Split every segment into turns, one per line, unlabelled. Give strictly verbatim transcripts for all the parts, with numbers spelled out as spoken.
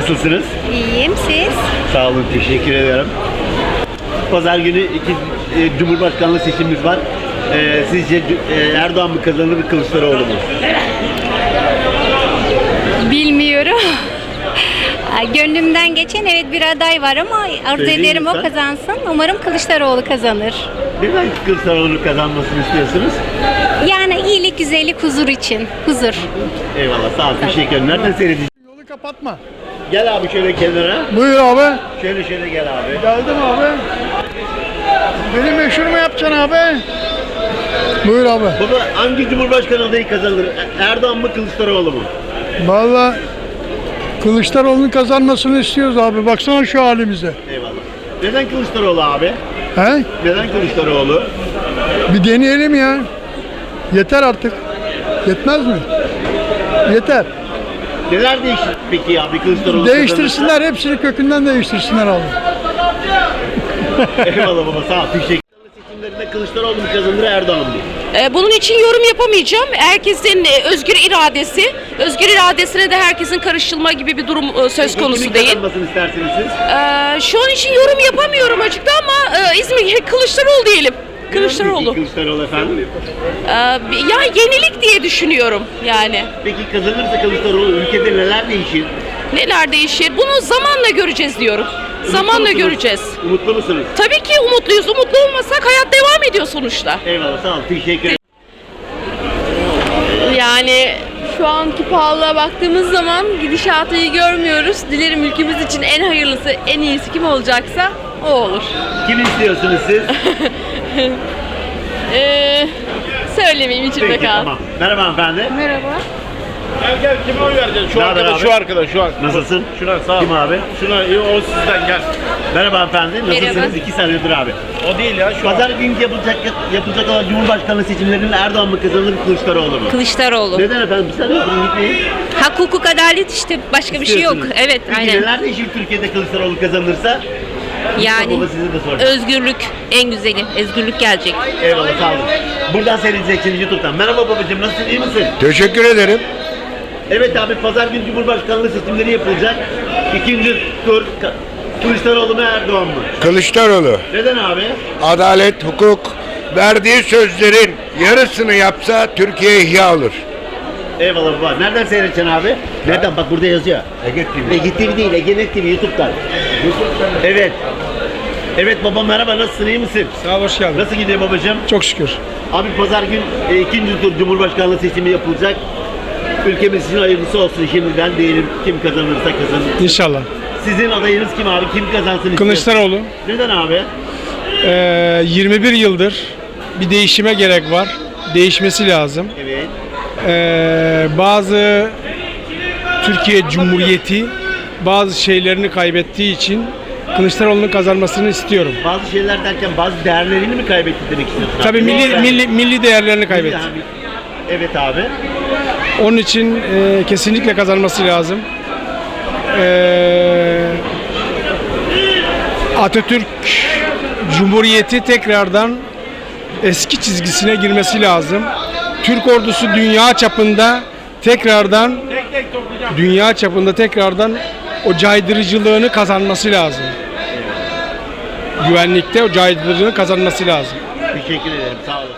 Nasılsınız?
İyiyim, siz?
Sağ olun, teşekkür ederim. Pazar günü iki e, Cumhurbaşkanlığı seçimimiz var. E, sizce e, Erdoğan mı kazanır, Kılıçdaroğlu mu?
Bilmiyorum. Gönlümden geçen evet bir aday var ama arzu
Söyleyin
ederim o
lütfen.
kazansın. Umarım Kılıçdaroğlu kazanır.
Neden Kılıçdaroğlu'nun kazanmasını istiyorsunuz?
Yani iyilik, güzellik, huzur için. Huzur.
Eyvallah, sağ olun, teşekkür ederim. Nereden seyredeceğiz?
Yolu kapatma.
Gel abi şöyle kenara.
Buyur abi.
Şöyle şöyle gel abi.
Geldim abi. Beni meşhur mu yapacaksın abi? Buyur abi.
Baba hangi Cumhurbaşkanı adayı kazanır? Erdoğan mı, Kılıçdaroğlu mu?
Vallahi Kılıçdaroğlu'nun kazanmasını istiyoruz abi. Baksana şu halimize.
Eyvallah. Neden Kılıçdaroğlu abi?
He?
Neden Kılıçdaroğlu?
Bir deneyelim ya. Yeter artık. Yetmez mi? Yeter.
Neler değişir peki abi Kılıçdaroğlu
Değiştirsinler. Hepsini kökünden değiştirsinler abi.
kazanırsa? Eyvallah baba, sağ ol, teşekkür ederim. Seçimlerinde Kılıçdaroğlu mu kazanır, Erdoğan mı?
Ee, Bunun için yorum yapamayacağım. Herkesin e, özgür iradesi, özgür iradesine de herkesin karışılma gibi bir durum e, söz
Peki
konusu
kimin
değil.
kazanmasını istersiniz siz?
Ee, Şu an için yorum yapamıyorum açıkta ama e, İzmir Kılıçdaroğlu diyelim. Kılıçdaroğlu.
Peki Kılıçdaroğlu efendim.
Ee, Ya yenilik diye düşünüyorum yani.
Peki kazanırsa Kılıçdaroğlu ülkede neler değişir?
Neler değişir? Bunu zamanla göreceğiz diyorum. Zamanla
Umutlu musunuz?
göreceğiz.
Umutlu musunuz?
Tabii ki umutluyuz. Umutlu olmasak hayat devam ediyor sonuçta.
Eyvallah, sağ ol, teşekkür ederim.
Yani şu anki pahalılığa baktığımız zaman gidişatı iyi görmüyoruz. Dilerim ülkemiz için en hayırlısı, en iyisi kim olacaksa o olur.
Kim istiyorsunuz siz?
Ee, söylemeyeyim içimde
Peki
kal.
tamam. Merhaba hanımefendi.
Merhaba.
Gel gel kime oy vereceksin? Şu
Ne haber
arkadaş,
abi?
şu arkadaş, şu arkadaş.
Nasılsın?
Şuna sağ ol.
Kim abi?
Şuna iyi, o sizden gel.
Merhaba hanımefendi. Nasılsınız?
Merhaba.
İki senedir abi.
O değil ya şu
Pazar günü yapılacak, yapılacak olan Cumhurbaşkanlığı seçimlerinde Erdoğan mı kazanır, Kılıçdaroğlu mu?
Kılıçdaroğlu.
Neden efendim? Bir saniye durun, gitmeyin.
Hak, hukuk, adalet işte. Başka bir şey yok.
İstiyorsunuz.
Evet,
Peki
aynen.
neler değişir Türkiye'de Kılıçdaroğlu kazanırsa?
Yani
Baba size de soracağım.
özgürlük en güzeli. Özgürlük gelecek.
Eyvallah, sağ olun. Buradan seyredeceksiniz YouTube'dan. Merhaba babacığım, nasılsın, iyi misin?
Teşekkür ederim.
Evet abi, pazar günü Cumhurbaşkanlığı seçimleri yapılacak. İkinci tur Ka- Kılıçdaroğlu mu, Erdoğan mı?
Kılıçdaroğlu
Neden abi?
adalet, hukuk, verdiği sözlerin yarısını yapsa Türkiye ihya olur.
Eyvallah baba. Nereden seyredeceksin abi? Nereden? Bak burada yazıyor. Ege T V. Ege T V değil, Ege Net T V YouTube'dan. Evet. Evet baba, merhaba, nasılsın, iyi misin?
Sağ ol, hoş geldin.
Nasıl gidiyor babacığım?
Çok şükür.
Abi pazar gün e, ikinci tur Cumhurbaşkanlığı seçimi yapılacak. Ülkemiz için hayırlısı olsun şimdiden, diyelim kim kazanırsa kazanır.
İnşallah.
Sizin adayınız kim abi? Kim kazansın istiyorsun?
Kılıçdaroğlu.
Neden abi?
Ee, yirmi bir yıldır bir değişime gerek var. Değişmesi lazım.
Evet.
Ee, bazı Türkiye Cumhuriyeti bazı şeylerini kaybettiği için Kılıçdaroğlu'nun kazanmasını istiyorum.
Bazı şeyler derken bazı değerlerini mi kaybetti demek istiyorsun?
Tabii
abi?
milli
Yani-
milli milli değerlerini kaybetti.
Milli abi. Evet abi.
Onun için e, kesinlikle kazanması lazım. Ee, Atatürk Cumhuriyeti tekrardan eski çizgisine girmesi lazım. Türk ordusu dünya çapında tekrardan dünya çapında tekrardan o caydırıcılığını kazanması lazım. Güvenlikte o caydırıcılığını kazanması lazım.
Teşekkür ederim. Sağ olasın.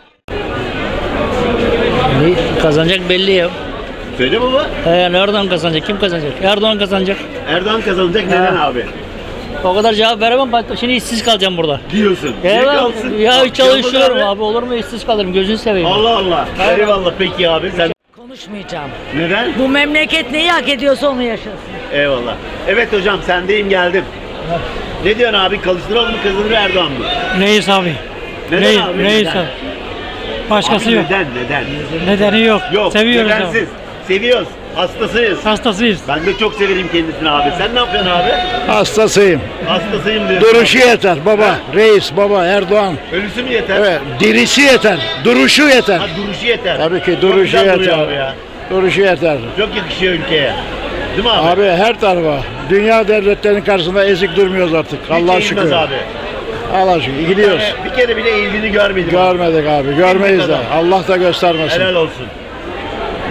Ne kazanacak belli ya.
Söyle baba.
He, yani Erdoğan kazanacak. Kim kazanacak? Erdoğan kazanacak.
Erdoğan kazanacak. Neden abi?
O kadar cevap veremem. Bak şimdi işsiz kalacağım burada.
Diyorsun. Niye
Evet.
kalsın?
Ya
Kalk,
çalışıyorum
yapma
abi. Olur mu işsiz kalırım. Gözünü seveyim.
Allah Allah. Eyvallah peki abi. Sen
Konuşmayacağım.
neden?
Bu memleket neyi hak ediyorsa onu yaşasın.
Eyvallah. Evet hocam, sendeyim, geldim. Ne diyorsun abi? Kılıçdaroğlu mu kazanır, Erdoğan mı?
Reis abi.
Neden
Reis,
abi?
reis
Neden?
abi. Başkası
Abi
yok.
neden? Neden?
Nedeni yok.
Yok.
Seviyoruz abi.
Nedensiz. Seviyoruz. Hastasıyız.
Hastasıyız.
Ben de çok severim kendisini abi. Sen ne yapıyorsun abi?
Hastasıyım.
Hastasıyım diyorsun.
Duruşu yeter baba. Reis baba Erdoğan.
Ölüsü mü yeter?
Evet. Dirisi yeter. Duruşu yeter.
Ha, duruşu yeter.
Tabii ki
Çok
duruşu
güzel duruyor
yeter.
abi ya.
Duruşu yeter.
Çok yakışıyor ülkeye. Değil mi abi?
Abi her tarafa. Dünya devletlerinin karşısında ezik durmuyoruz artık.
Hiç
Allah'a
eğilmez
şükür.
abi.
Allah'a şükür. Gidiyoruz.
Yani bir kere bile eğildiğini görmedim. abi.
Görmedik abi. Görmeyiz de.
kadar.
Allah da göstermesin.
Helal olsun.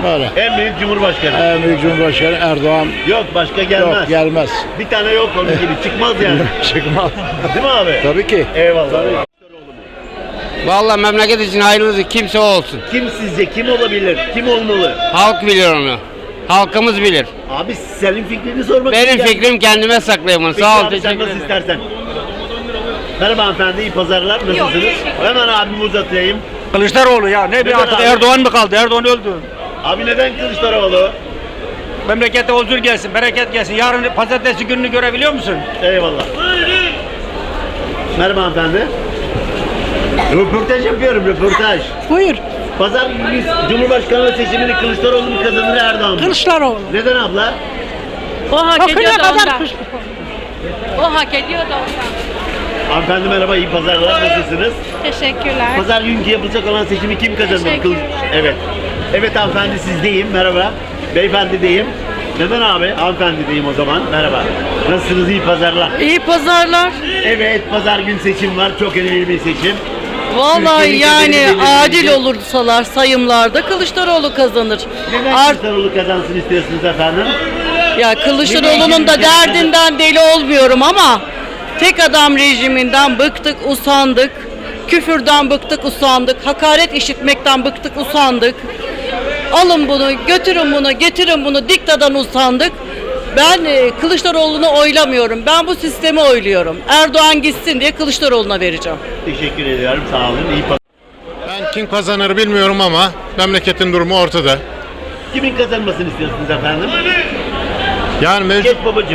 Böyle.
En büyük Cumhurbaşkanı.
En büyük Cumhurbaşkanı Erdoğan
Yok başka gelmez.
yok gelmez.
Bir tane yok onun gibi çıkmaz yani.
Çıkmaz.
Değil mi abi?
Tabii ki.
Eyvallah.
Vallahi memleket için hayırlısı kimse olsun.
Kim sizce kim olabilir? Kim olmalı?
Halk bilir onu. Halkımız bilir.
Abi senin fikrini sormak
Benim
için
fikrim kendime saklayayım onu.
Peki
Sağ ol,
abi, sen
teşekkür
nasıl
ederim.
istersen. Merhaba hanımefendi, iyi pazarlar. Nasılsınız? Hemen abimi uzatayım.
Kılıçdaroğlu ya ne
Neden
bir artık
abi?
Erdoğan mı kaldı? Erdoğan öldü.
Abi neden Kılıçdaroğlu?
Memlekete huzur gelsin, bereket gelsin. Yarın pazartesi gününü görebiliyor musun?
Eyvallah. Merhaba hanımefendi. Röportaj yapıyorum, röportaj.
Buyur.
Pazar günü Cumhurbaşkanlığı seçimini Kılıçdaroğlu mu kazanır Erdoğan mı?
Kılıçdaroğlu.
Neden abla?
O hak
Bakına
ediyor da
kadar
ondan.
kış.
O hak ediyor da ondan.
Hanımefendi merhaba, iyi pazarlar. Nasılsınız?
Teşekkürler.
Pazar günkü yapılacak olan seçimi kim kazanır?
Teşekkür
Kılıç- Evet. Evet hanımefendi sizdeyim. Merhaba. Beyefendi deyim. Neden abi? Hanımefendi deyim o zaman. Merhaba. Nasılsınız? İyi pazarlar.
İyi pazarlar.
Evet, pazar gün seçim var. Çok önemli bir seçim.
Vallahi
Türkiye'nin
yani
kaderini
adil
belirleyecek.
olursalar sayımlarda Kılıçdaroğlu kazanır.
Neden
Art,
Kılıçdaroğlu kazansın istiyorsunuz efendim?
ya Kılıçdaroğlu'nun da derdinden deli olmuyorum ama tek adam rejiminden bıktık, usandık. Küfürden bıktık, usandık. Hakaret işitmekten bıktık, usandık. Alın bunu, götürün bunu, getirin bunu, diktadan usandık. Ben e, Kılıçdaroğlu'nu oylamıyorum. Ben bu sistemi oyluyorum. Erdoğan gitsin diye Kılıçdaroğlu'na vereceğim.
Teşekkür ediyorum. Sağ olun. İyi pazar.
Ben kim kazanır bilmiyorum ama memleketin durumu ortada.
Kimin kazanmasını istiyorsunuz efendim?
Yani mevcut,
Geç babacığım.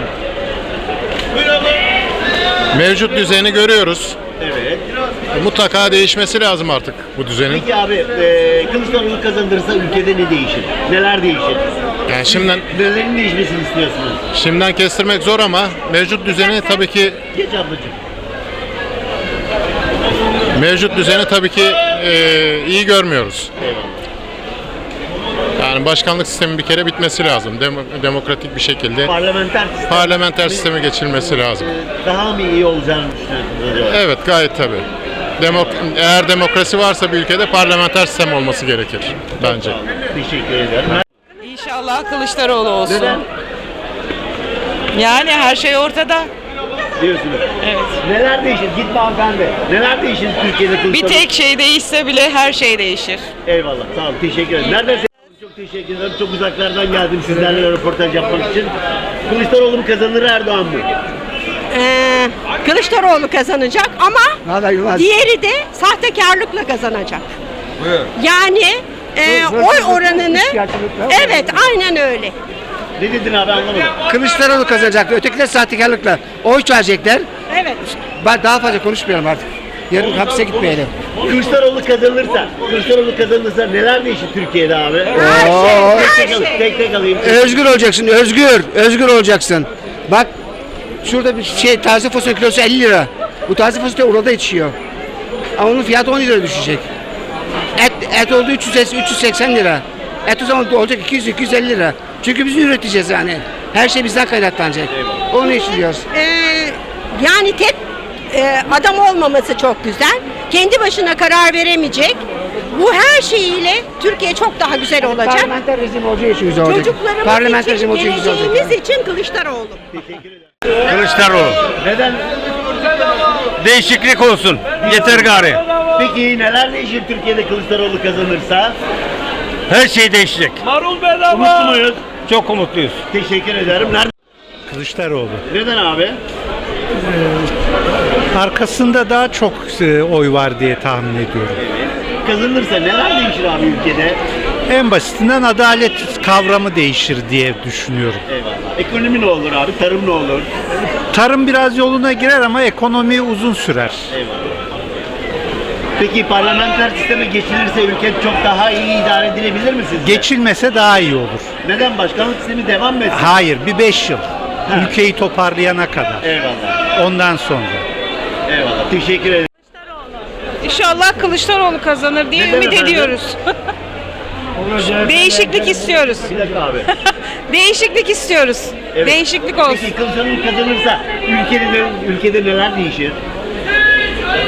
mevcut düzeni görüyoruz.
Evet.
Mutlaka değişmesi lazım artık bu düzenin.
Peki abi, e, Kılıçdaroğlu kazandırırsa ülkede ne değişir? Neler değişir?
Yani şimdiden
Nelerin değişmesini istiyorsunuz?
şimdiden kestirmek zor ama mevcut düzeni tabii ki
Geç ablacığım.
mevcut düzeni tabii ki e, iyi görmüyoruz.
Eyvallah.
Yani başkanlık sistemi bir kere bitmesi lazım. Demo- demokratik bir şekilde
Parlamenter sistem.
parlamenter sisteme geçilmesi lazım.
e, Daha mı iyi olacağını düşünüyorsunuz acaba?
Evet, gayet tabii. Demok eğer demokrasi varsa bir ülkede parlamenter sistem olması gerekir bence.
Sağ olun. Teşekkür ederim.
İnşallah Kılıçdaroğlu olsun.
Neden
Yani her şey ortada.
diyorsunuz? Evet. Neler değişir? Gitme hanımefendi. Neler değişir Türkiye'de Kılıçdaroğlu?
şey değişse bile her şey değişir.
Eyvallah. Sağ olun. Teşekkür ederim. Nereden se- Çok teşekkür ederim. Çok uzaklardan geldim sizlerle röportaj yapmak için. Kılıçdaroğlu mu kazanır Erdoğan mı?
Ee, Kılıçdaroğlu kazanacak ama diğeri de sahtekarlıkla kazanacak. Yani e, oy oranını evet aynen öyle.
Ne dedin abi anlamadım.
Kılıçdaroğlu kazanacaktı. Ötekiler sahtekarlıkla oy verecekler.
Evet.
Ben daha fazla konuşmayalım artık. Yarın hapse gitmeyelim.
Kılıçdaroğlu kazanırsa, Kılıçdaroğlu kazanırsa neler değişir Türkiye'de abi?
Oo.
Tek tek, alayım, tek tek alayım.
Özgür olacaksın, özgür. Özgür olacaksın. Bak şurada bir şey taze fasulye kilosu elli lira. Bu taze fasulye orada yetişiyor. Ama onun fiyatı on lira düşecek. Et, et oldu üç yüz üç yüz seksen lira. Et o zaman olacak iki yüz iki yüz elli lira. Çünkü biz üreteceğiz yani. Her şey bizden kaynaklanacak. Onu işliyoruz.
Ee, yani tek e, adam olmaması çok güzel. Kendi başına karar veremeyecek. Bu her şeyiyle Türkiye çok daha güzel olacak.
Parlamenter rejim olacağı için güzel olacak.
Çocuklarımız
Parlamenter
için,
rejim olacağı için güzel olacak.
geleceğimiz için Kılıçdaroğlu.
Teşekkür ederim.
Kılıçdaroğlu.
Neden?
Değişiklik olsun. Yeter gari.
Peki neler değişir Türkiye'de Kılıçdaroğlu kazanırsa?
Her şey değişecek. Marul bedava.
Umutlu muyuz?
Çok umutluyuz.
Teşekkür ederim. Nerede?
Kılıçdaroğlu.
Neden abi?
Arkasında daha çok e, oy var diye tahmin ediyorum.
Kazanırsa neler değişir abi ülkede?
En basitinden adalet kavramı değişir diye düşünüyorum.
Eyvallah. Ekonomi ne olur abi? Tarım ne olur?
Tarım biraz yoluna girer ama ekonomi uzun sürer.
Eyvallah. Peki parlamenter sisteme geçilirse ülke çok daha iyi idare edilebilir mi sizce?
Geçilmese daha iyi olur.
Neden başkanlık sistemi devam mı etsin?
Hayır, bir beş yıl. Ülkeyi toparlayana kadar.
Eyvallah.
Ondan sonra.
Eyvallah. Teşekkür ederim.
İnşallah Kılıçdaroğlu kazanır diye
Neden
ümit
efendim?
ediyoruz. Değişiklik istiyoruz.
Bir dakika abi.
Değişiklik istiyoruz.
Evet.
Değişiklik olsun.
Peki Kılıçdaroğlu kazanırsa ülkede, ülkede neler değişir?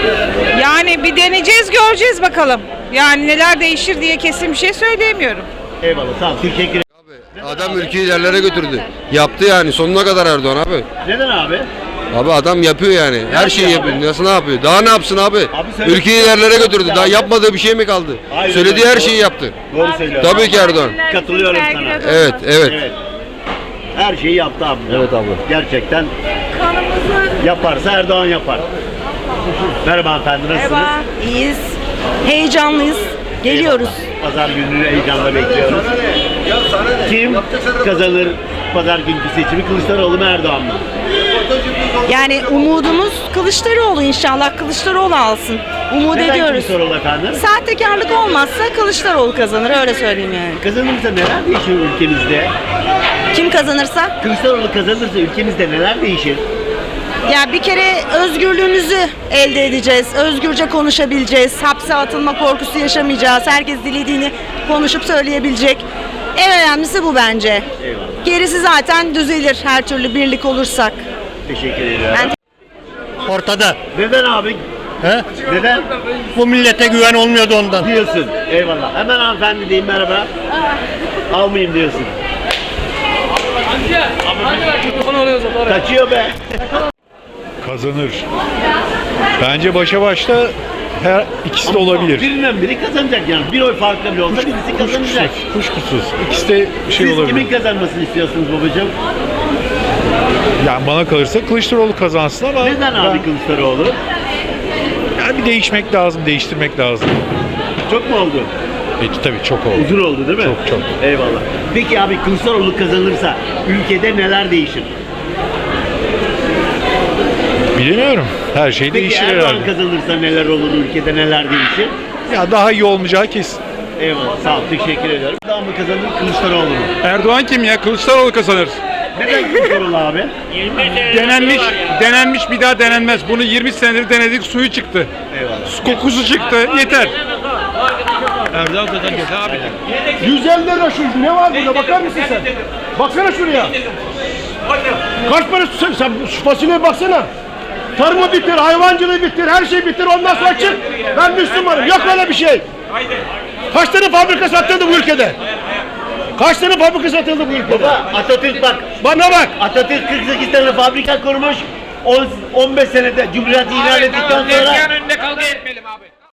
Yani bir deneyeceğiz, göreceğiz bakalım. Yani neler değişir diye kesin bir şey söyleyemiyorum.
Eyvallah sağ ol. Teşekkür ederim.
Adam ülkeyi ilerlere götürdü. Yaptı yani sonuna kadar Erdoğan abi.
Neden abi?
Abi adam yapıyor yani. Her şeyi
yapıyor
yapıyor. Nasıl ne yapıyor? Daha ne yapsın abi?
söyle-
Ülkeyi ilerlere götürdü. Daha yapmadığı bir şey mi kaldı?
Hayır,
Söylediği
öyle.
her şeyi yaptı.
Doğru söylüyorsun.
Tabii ki Erdoğan.
Katılıyorum sana.
Evet, evet.
Evet. Her şeyi yaptı abi.
Evet abla.
Gerçekten yaparsa Erdoğan yapar. Merhaba hanımefendi, nasılsınız?
Merhaba, iyiyiz. Heyecanlıyız. Geliyoruz.
Eyvallah. Pazar gününü heyecanla bekliyoruz. Kim kazanır pazar günkü seçimi? Kılıçdaroğlu mu Erdoğan mı?
Yani umudumuz Kılıçdaroğlu, inşallah Kılıçdaroğlu alsın. Umut
Neden
ediyoruz.
Kılıçdaroğlu efendim?
Sahtekarlık olmazsa Kılıçdaroğlu kazanır, öyle söyleyeyim yani.
Kazanırsa neler değişir ülkemizde?
Kim kazanırsa?
Kılıçdaroğlu kazanırsa ülkemizde neler değişir?
Ya bir kere özgürlüğümüzü elde edeceğiz. Özgürce konuşabileceğiz. Hapse atılma korkusu yaşamayacağız. Herkes dilediğini konuşup söyleyebilecek. En önemlisi bu bence.
Eyvallah.
Gerisi zaten düzelir her türlü birlik olursak.
Teşekkür ederim.
Ben
Ortada.
Neden abi?
He?
Neden?
Bu millete güven olmuyordu ondan.
Diyorsun. Eyvallah. Hemen hanımefendi diyeyim merhaba. Almayayım diyorsun. Kaçıyor be.
Kazanır. Bence başa başta her ikisi de olabilir.
Birinden biri kazanacak yani. Bir oy farklı bile olsa birisi kazanacak.
Kuşkusuz. İkisi de şey
Siz
olabilir.
kimin kazanmasını istiyorsunuz babacığım?
Yani bana kalırsa Kılıçdaroğlu kazansın ama
Neden abi Kılıçdaroğlu?
yani bir değişmek lazım, değiştirmek lazım.
Çok mu oldu?
E, tabii çok oldu.
Uzun oldu değil mi?
Çok, çok.
Eyvallah. Peki abi Kılıçdaroğlu kazanırsa ülkede neler değişir?
Bilemiyorum. Her şey
Peki
değişir
Erdoğan
herhalde.
kazanırsa neler olur, ülkede neler değişir?
Ya daha iyi olmayacağı kesin.
Eyvallah sağ ol, teşekkür ediyorum. Erdoğan mı kazanır, Kılıçdaroğlu mu?
Erdoğan kim ya? Kılıçdaroğlu kazanır.
Neden Kılıçdaroğlu abi?
Denenmiş, denenmiş bir daha denenmez. Bunu yirmi senedir denedik, suyu çıktı.
Eyvallah.
Su kokusu çıktı, yeter.
Erdoğan kazanacak abi.
yüz elli lira şu, ne var burada bakar mısın sen? Baksana şuraya. Kaç para sen, sen şu fasulyeye baksana. Tarımı bitir, hayvancılığı bitir, her şey bitir, ondan sonra çık. Ben Müslümanım, yok öyle bir şey. Kaç tane fabrika satıldı bu ülkede? Kaç tane fabrika satıldı bu ülkede?
Baba Atatürk bak,
Bana bak.
Atatürk kırk sekiz tane fabrika kurmuş. on beş senede Cumhuriyet ilan ettikten sonra
önünde kavga etmeyelim abi.